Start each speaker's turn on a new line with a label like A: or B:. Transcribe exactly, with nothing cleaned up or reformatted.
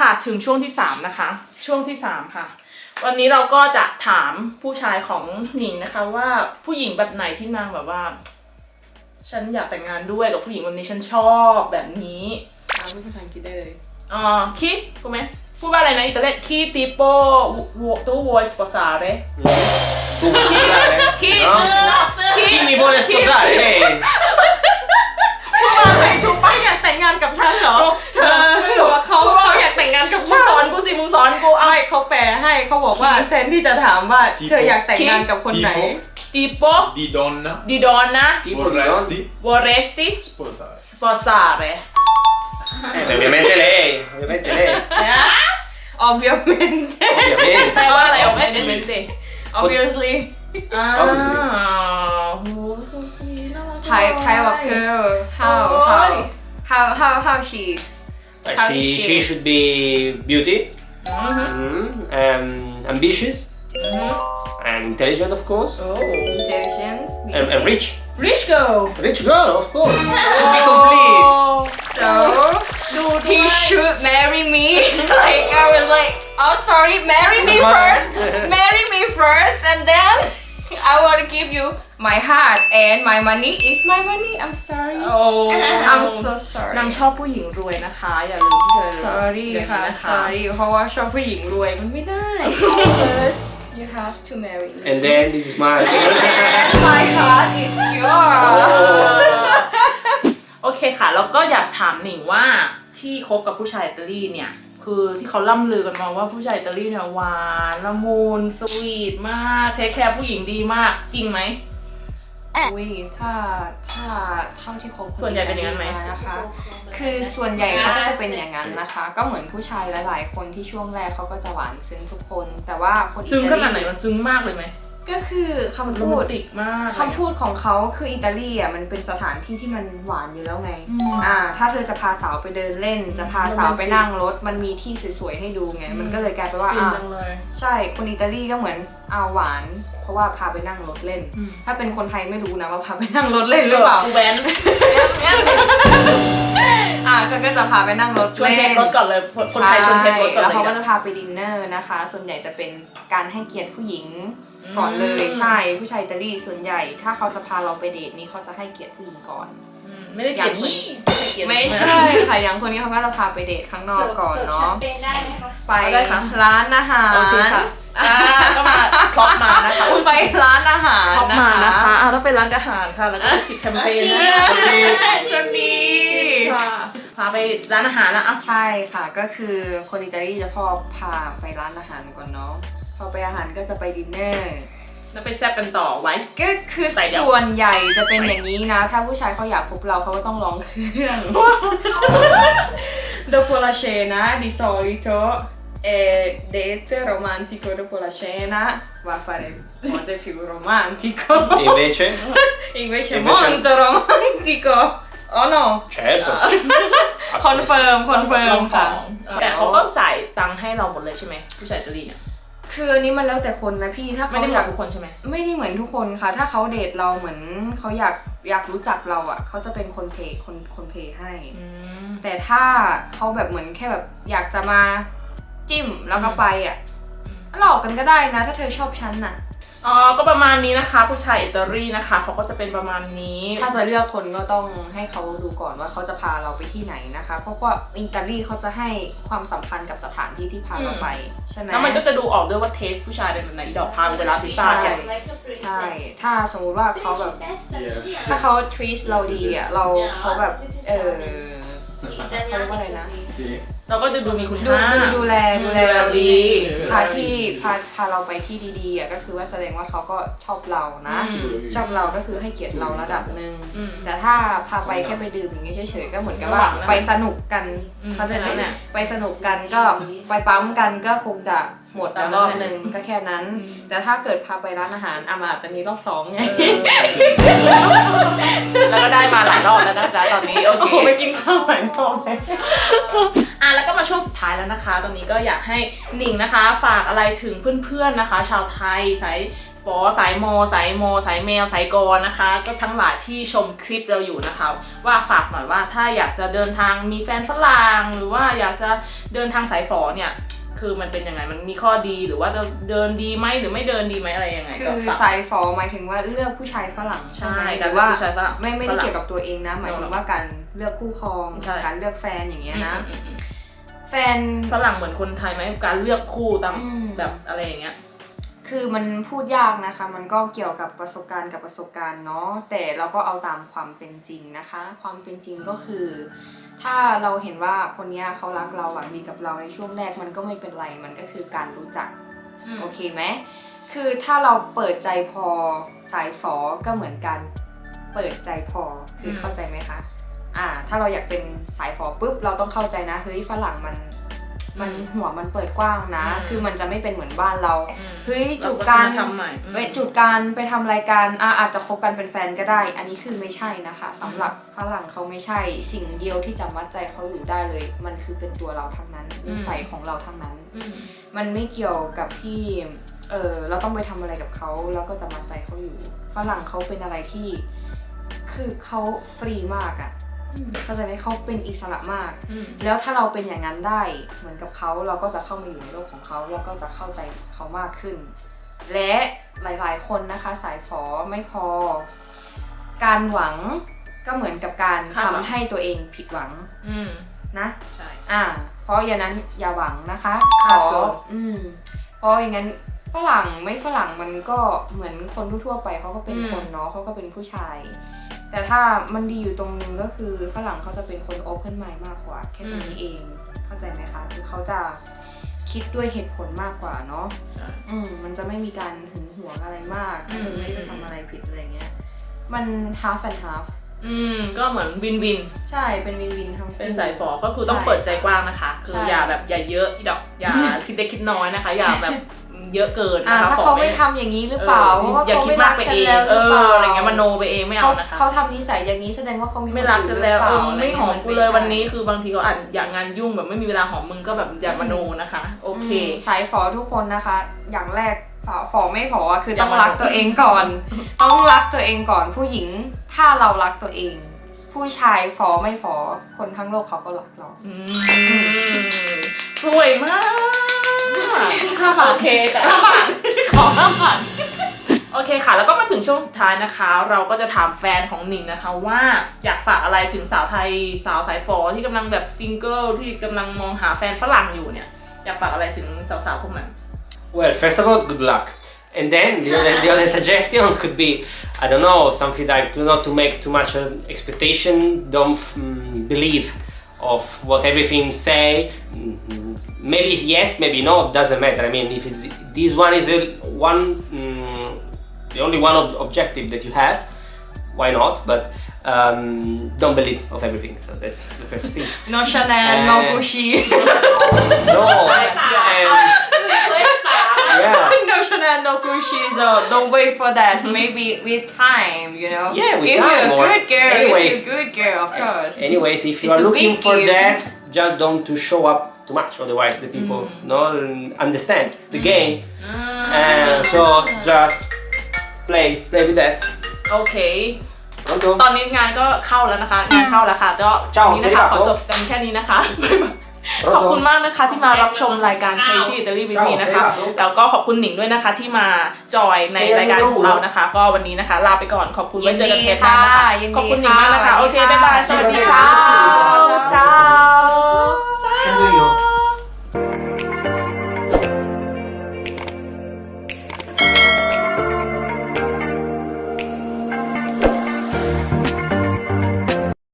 A: ค่ะถึงช่วงที่สามนะคะช่วงที่สามค่ะวันนี้เราก็จะถามผู้ชายของหนิงนะคะว่าผู้หญิงแบบไหนที่นางแบบว่าฉันอยากแต่งงานด้วยกับผู้หญิงแบบนี้ฉันชอบแบบนี้
B: ถามภาษาอังกฤษได้เลย
A: อ๋อคิดถูกไหมพูดว่าอะไรนะอิตาเลียนคิติโปตูวอยสปอซาเรคิคิคิ
C: Chi mi vuole sposare? Lei?
B: พูดว่าใครชูป้ายอยากแต่งงานกับฉันเหรอเธอไม่รู้ว่าเขาเขาอยากแต่งงานกับ
A: มึ
B: ฉั
A: ง
B: น
A: สอนกูสิมึงสอนกูเอา
B: ไม่เขาแปลให้เขาบอกว่าแทนที่จะถามว่าเธออยากแต่งงานกับคนไหน
A: ติโป
D: Di donna
A: ดิดอนนะ
C: Tipo di
D: vorresti
A: วอเรสติ
D: sposare.
A: สปอซาเร
C: Eh, ovviamente lei, ovviamente lei,
B: obviamente
A: แปล
C: ovviamente.
A: ว่าอะไรออกไม่เป็นสิ
B: obviously
A: อ้าวโหสุดสีน่ารัก
B: type type of girl how how how how how she
C: Uh,
B: How
C: she,
B: is she?
C: she should be beauty, mm, um, ambitious, and intelligent, of course,
A: โอ้
B: intelligent
C: and, and rich.
A: rich girl
C: Rich girl, of course. Should be complete.
B: so
A: ดู
B: he should marry me like I was like oh sorry marry me first marry me first and then I want to give you my heart and my money is my money I'm sorry
A: โอ้
B: I'm so sorry
A: นางชอบผู้หญิงรวยนะคะอย่าลืมที่เธอ
B: sorry
A: อย่างนี้
B: ค่ะ
A: นะคะ
B: sorry เพราะว่าชอบผู้หญิงรวยมันไม่ได้ first you have to marry me
C: And then this is my.
B: and my heart is yours
A: โอเคค่ะแล้วก็อยากถามหนิงว่าที่คบกับผู้ชายอิตาลีเนี่ยคือที่เขาล่ำลือกันมาว่าผู้ชายอิตาลีเนี่ยหวานละมุนสวีทมากเทคแคร์ผู้หญิงดีมากจริงไหม
B: อุ้ยถ้าถ้าเท่าที่คบ
A: ส่วนใหญ่เป็นอย่างนั้นไหม
B: นะคะ คือส่วนใหญ่เขาก็จะเป็นอย่างนั้นนะคะ ก็เหมือนผู้ชายหลายๆคนที่ช่วงแรกเขาก็จะหวานซึ้งทุกคน แต่ว่าคนอิ
A: ซึ้ง
B: ตา
A: ขนาดไหน
B: ลี
A: มันซึ้งมากเลยไหม
B: ก็คือคำ
A: โร
B: พู
A: แม
B: ด
A: นติกมาก
B: คำพูดของเขาคืออิตาลีอ่ะมันเป็นสถานที่ที่มันหวานอยู่แล้วไง
A: อืม
B: อ่าถ้าเธอจะพาสาวไปเดินเล่น จะพาสาวไปนั่งรถมันมีที่สวยๆให้ดูไง มันก็เลยกลายเป็นว่า
A: ฟิน
B: อ่า
A: จังเลย
B: ใช่คนอิตาลีก็เหมือนเอาหวาน เพราะว่าพาไปนั่งรถเล่น
A: อืม
B: ถ้าเป็นคนไทยไม่รู้นะว่าพาไปนั่งรถเล่นหรือเปล่า
A: กูแว้น
B: อ่าเขาก็จะพาไปนั่งรถ
A: ชวนเช็ครถก่อนเลยคนไทยชวนเช็ครถก่อน
B: แล้ว
A: เลย
B: เขาก็
A: นะ
B: จะพาไปดินเนอร์นะคะ ส่วนใหญ่จะเป็นการให้เกียรติผู้หญิงก่อนเลยใช่ผู้ชายอิตาลีส่วนใหญ่ ถ้าเขาจะพาเราไปเดทนี้เขาจะให้เกียรติผู้หญิงก่อน
A: อืมไม่ได้เกลียดนี่เกลียด
B: ไม่ใช่ค่ะอย่างคนนี้เขาก็จะพาไปเดทข้างนอกก่อนเนาะ
E: เป็นได้ไหมคะ
B: ไปร้านอาหาร
A: โอเคค่ะอ่าก็มาพล็อปมานะคะ
B: ไปร้านอาหาร
A: พล็อป
B: นะ
A: มานะคะ
B: คะ
A: อ่าต้องเป็นร้านอาหารค่ะแล้วก็จิบแชมเปญนะ
B: ชนดีชนดี
A: ค่ะพาไปร้านอาหารแล้วอ่ะ
B: ใช่ค่ะก็คือคนอิตาลีจะพอพาไปร้านอาหารก่อนเนาะพอไปอาหารก็จะไปดินเนอร์
A: แล้วไปแซ่บกันต่อไว้
B: ก็คือ
A: ใส่เดี๋ยว
B: ส่วนใหญ่จะเป็นอย่างนี้นะ ถ้าผู้ชายเขาอยากพบเราเขาก็ต้องร้องเครื่อง Dopo la cena di solito è date romantico dopo la cena va a fare cose più romantico
C: E invece?
B: invece
C: Invece-
B: molto romantico oh no
C: Certo.
B: คอนเฟิร์มคอนเฟิร์มค่ะ
A: แต่เขาก็จ่ายตังค์ให้เราหมดเลยใช่ไหมผู้ชายอิตาลีเนี่ย
B: คืออันนี้มันแล้วแต่คนนะพี่ถ้า
A: ไม่
B: เขา
A: ได้หม
B: อยา
A: ด
B: ก
A: ทุกคนใช่ไหม
B: ไม่ได้เหมือนทุกคนค่ะ ถ้าเขาเดทเราเหมือนเขาอยากอยากรู้จักเราอ่ะเขาจะเป็นคนเพย์คนคนเพย์ให้
A: อืม
B: แต่ถ้าเขาแบบเหมือนแค่แบบอยากจะมาจิ้มแล้วก็ไปอ่ะหลอกกันก็ได้นะ ถ้าเธอชอบฉันน่ะ
A: อ๋อก็ประมาณนี้นะคะ ผู้ชายอิตาลีนะคะเขาก็จะเป็นประมาณนี้
B: ถ้าจะเลือกคนก็ต้องให้เขาดูก่อนว่าเขาจะพาเราไปที่ไหนนะคะ เพราะว่าอิตาลีเขาจะให้ความสำคัญกับสถานที่ที่พาเราไปใช่ไหม
A: แล้วมันก็จะดูออกด้วยว่าเทสผู้ชายเป็นแบบไหนอีดอกพาไปร้านพิซซ่า
B: ใช่
A: ใช่
B: ใช่ ถ้าสมมุติว่าเขาแบบ
D: Yes.
B: ถ้าเขา treat เราดีอ่ะ เราเขาแบบ เออเขาเรียกว่าอะไรนะ
D: Sì.
A: เราก็จะดูมีคุณ
B: ดู
A: ค่า
B: ดูดูแลดูแลเราดี
D: ใช่
B: พาที่พาพาเราไปที่ดีๆอ่ะก็คือว่าแสดงว่าเขาก็ชอบเรานะ
A: อืม
B: ชอบเราก็คือให้เกียรติเราระดับหนึ่ง
A: อืม
B: แต่ถ้าพาไปแค่ไปดื่มอย่างเงี้ยเฉยๆก็เหมือนกับว่า
A: ระหว่างนั้น
B: ไปสนุกกัน
A: อืม
B: เข้าใจไหม
A: ใช่แหละ
B: ไปสนุกกันก็ไปปั๊มกันก็คงจะหมดแล้ว
A: แต่
B: ร
A: ร
B: อ
A: อ
B: บบ หนึ่งก็แค่นั้น
A: อืม
B: แต่ถ้าเกิดพาไปร้านอาหารอามาอาจจะมีรอบสองไง
A: แล้วก็ได้มาหลายรอบแล้วนะจ๊ะตอนนี้โอ
B: โอ้
A: เค
B: โหไปกินข้าวหลายรอบเลย
A: อ่ะแล้วก็มาช่วงสุดท้ายแล้วนะคะ ตอนนี้ก็อยากให้หนิงนะคะ ฝากอะไรถึงเพื่อนๆนะคะ ชาวไทยสายฝอสายมอสายมอสายแมวสายกรนะคะ ก็ทั้งหลายที่ชมคลิปเราอยู่นะคะว่าฝากหน่อยว่าถ้าอยากจะเดินทางมีแฟนฝรั่งหรือว่าอยากจะเดินทางสายฝอเนี่ยคือมันเป็นยังไงมันมีข้อดีหรือว่าจะเดินดีไหมหรือไม่เดินดีไหมอะไรยังไง
B: คื
A: ก็
B: อ
A: ฝาก
B: สายฝอหมายถึงว่าเลือกผู้ชายฝรั่งใช่ไหม
A: ใช่
B: ห
A: การ
B: รือ
A: เลือก
B: ว่า
A: ผู้ชายฝรั่ง
B: ไม่ไม่ได้
A: ฝรั่ง
B: เกี่ยวกับตัวเองนะหมายถึงว่าการเลือกคู่ครอง
A: ใช่
B: การเลือกแฟนอย่างเงี้ยนะ
A: อืมอืมอืม
B: แฟน
A: ฝรั่งเหมือนคนไทยไหมการเลือกคู่ตาม
B: อืม
A: แบบอะไรอย่างเงี้ย
B: คือมันพูดยากนะคะ มันก็เกี่ยวกับประสบการณ์กับประสบการณ์เนาะแต่เราก็เอาตามความเป็นจริงนะคะ ความเป็นจริงก็คือ ถ้าเราเห็นว่าคนเนี้ยเขารักเราหวังดีกับเราในช่วงแรกมันก็ไม่เป็นไรมันก็คือการรู้จัก
A: อืม
B: โอเคไหมคือถ้าเราเปิดใจพอสายฝอก็เหมือนกันเปิดใจพอคือเข้าใจไหมคะอ่าถ้าเราอยากเป็นสายฝอปุ๊บเราต้องเข้าใจนะเฮ้ยฝรั่งมันมันหัวมันเปิดกว้างนะ คือมันจะไม่เป็นเหมือนบ้านเราเฮ้ยจูบกัน
A: ทำใหม่
B: ไปจูบกันไปทำรายการอ่ะอาจจะคบกันเป็นแฟนก็ได้ อันนี้คือไม่ใช่นะคะสำหรับฝรั่งเขาไม่ใช่สิ่งเดียวที่จะมัดใจเขาอยู่ได้เลย มันคือเป็นตัวเราทั้งนั้นนิสัยของเราทั้งนั้น
A: อืม
B: มันไม่เกี่ยวกับที่เออเราต้องไปทำอะไรกับเขาแล้วก็จะมัดใจเขาอยู่ฝรั่งเขาเป็นอะไรที่คือเขาฟรีมากอะ่ะเข้าใจไหมเขาเป็นอิสระมาก
A: อืม
B: แล้วถ้าเราเป็นอย่างนั้นได้เหมือนกับเขาเราก็จะเข้ามาอยู่ในโลกของเขาแล้วก็จะเข้าใจเขามากขึ้น และหลายๆคนนะคะสายฝอไม่พอ การหวังก็เหมือนกับการทำให้ตัวเองผิดหวัง
A: อืม
B: นะ
A: ใช่
B: อ่าเพราะอย่างนั้นอย่าหวังนะคะ
A: ค
B: ข
A: รับ
B: อ
A: ผม
B: อืมเพราะอย่างนั้นฝรั่งไม่ฝรั่งมันก็เหมือนคนทั่วๆไปเขาก็เป็นคนเนาะเขาก็เป็นผู้ชาย แต่ถ้ามันดีอยู่ตรงนึงก็คือฝรั่งเขาจะเป็นคน open mind มากกว่าแค่ตรงนี้เองเข้าใจไหมคะคือเขาจะคิดด้วยเหตุผลมากกว่าเนาะอืมมันจะไม่มีการหึงหวงอะไรมากถ้าเราไม่ได้ทำอะไรผิดอะไรเงี้ยมัน half and half
A: อืมก็เหมือนวินวิน
B: ใช่เป็นวินวินทั้งคู่
A: เป็นสายฝอก็คือต้องเปิดใจกว้างนะคะ คือ
B: ใช่
A: อย่าแบบอย่าเยอะอีดอกอย่า คิดเล็กคิดน้อยนะคะ อย่าแบบเยอะเกิน
B: อ่า
A: นะคะ
B: ถ้าเขาไม่ทำอย่างนี้หรือเปล่า
A: เออ
B: ว่า
A: อย่า
B: เขา
A: คิด
B: ไม่
A: มา
B: รั
A: ก
B: ก
A: ไป
B: ฉัน
A: เอง
B: แล้วห
A: เอ
B: รือเป
A: อ
B: ล่า
A: อะไรเงี้ยมโนไปเองไม่เอา
B: เขา
A: นะคะ
B: เขาทำนิสัยอย่างนี้แสดงว่าเขามี
A: ไม่รักฉันแล้วเออ
B: คน
A: ไม่
B: อื่น
A: หอม
B: รื
A: กู
B: ปา
A: เลยวันนี้
B: ไม่ใช่
A: คือบางทีเขาอาจอยากงานยุ่งแบบไม่มีเวลาหอมมึงก็แบบอย่ามโนนะคะโอเค
B: อืมสายฝอทุกคนนะคะ อย่างแรกฝอฝอไม่ฝออะคือ
A: อย่า
B: ต้อง
A: มา
B: รักตัวเองก่อน ต้องรักตัวเองก่อนผู้หญิงถ้าเรารักตัวเอง ผู้ชายฝอไม่ฝอคนทั้งโลกเขาก็รักเรา
A: อืมสวยมากโอเคค่ะขอห้าผ่านโอเคค่ะ แล้วก็มาถึงช่วงสุดท้ายนะคะ เราก็จะถามแฟนของหนิงนะคะว่าอยากฝากอะไรถึงสาวไทยสาวสายฝอที่กำลังแบบซิงเกิลที่กำลังมองหาแฟนฝรั่งอยู่เนี่ยอยากฝากอะไรถึงสาวๆพวกนั้น
C: Well, first of all, good luck. And then the other, the other suggestion could be, I don't know, something like to not to make too much uh, expectation, don't um, believe of what everything say. Mm, maybe yes, maybe no, doesn't matter. I mean, if it's, this one is a, one, um, the only one ob- objective that you have, why not? But um, don't believe of everything. So that's the first thing.
B: no Chanel no Gucci
C: No, and, yeah.
B: no Chanel no Gucci so don't wait for that maybe with time you know
C: Yeah, with
B: if
C: time,
B: you're a
C: or
B: good girl
C: anyways.
B: if you're a good girl of course
C: Anyways, if you
B: It's
C: are
B: the
C: looking
B: big
C: for
B: gift.
C: that, just don't to show up too much. Otherwise, the people no understand the game, and so just play play with that.
A: โอเค
C: Pronto?
A: ตอนนี้งานก็เข้าแล้วนะคะ งานเข้าแล้วค่ะก็
C: เจ้า
A: วันนี้นะคะ
C: สวัสดีครับ
A: ขอจบกันแค่นี้นะคะ ขอบคุณมากนะคะที่มารับชมรายการ Crazy Italy with me นะคะ แล้วก็ขอบคุณหนิงด้วยนะคะที่มาจอยในรายการของเรานะคะ ก็วันนี้นะคะ ลาไปก่อนขอบคุณไว้เจอกันเทปหน้านะคะ
B: ยินดีค่ะ
A: ขอบคุณหนิงมากนะคะ โอเค บ๊ายบาย สวัสดี
B: สวัสดี
A: ค่ะ
B: ค่ะ